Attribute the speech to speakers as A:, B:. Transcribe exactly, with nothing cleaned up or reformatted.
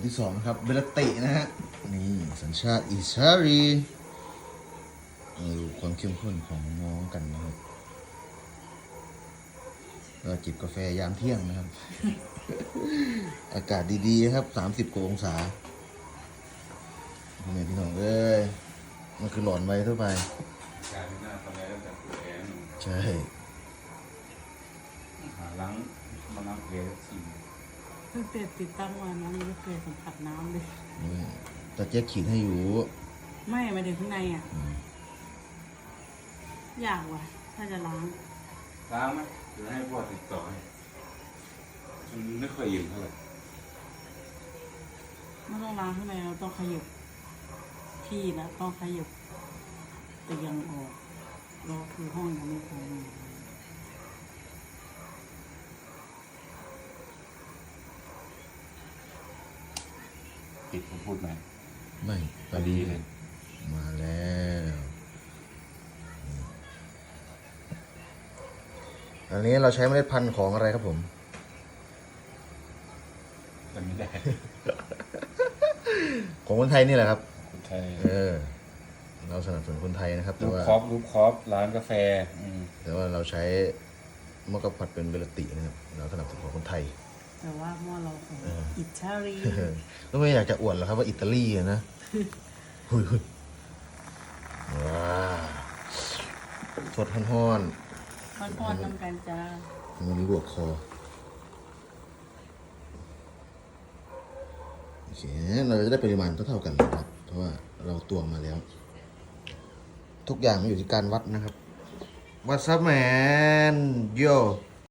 A: ที่สองนะครับเบลตินะฮะนี่สัญชาติอิสราเอลมาดูความเข้มข้นของน้องกันนะครับเราจิบกาแฟยามเที่ยงนะครับ อากาศดีๆครับสามสิบกว่าองศาพี่พี่น้องเอ้ยมันคือหลอนไว้ทั่วไป
B: การที่หน้าทำอะไรตั้งแต่ปวดแขน
A: ใช่
B: หาล้างมาล้างเพลที
C: ตั้งแต่ติดตั้งมาน้ำยังไม่เคยสัมผัสน้ำเลย
A: ตาเจ๊ขีดให้อยู่
C: ไม่มาถึงข้างในอ่ะอยากว่ะถ้าจะล้าง
B: ล้างไหมหรือให้พ่อติดต่อให้มันไม่ค่อยอิ่มเท่าไหร่
C: ไม่ต้องล้างข้างในเราต้องขยับที่แล้วต้องขยับเตียงออกเราคือห้องยังไม่พอ
B: ปิดผมพูดไหม
A: ไม่พอดีเลยมาแล้วอันนี้เราใช้เมล็ดพันธุ์ของอะไรครับผม
B: จำไม่ได้
A: ของคนไทยนี่แหละครับ
B: คนไทย
A: เออเราสนับสนุนคนไทยนะครับแต่
B: รูป
A: ว่า
B: คอฟรูปคอฟร้านกาแฟ
A: แต่ว่าเราใช้มะกะผัดเป็นเบลตินะครับเราสนับสนุนของคนไทย
C: แต่ว่าหม้อเราของอิตาลี
A: ก็ไม่อยากจะอวดหรอกครับว่าอิตาลีนะหุยว้าสดฮ้อน
C: ๆฮ้อนๆน้ำกันจ้า
A: วันนี้บวกคอโอเคเราจะได้ปริมาณเท่าๆกันนะครับเพราะว่าเราตวงมาแล้วทุกอย่างมันอยู่ที่การวัดนะครับวัดซับแมนโย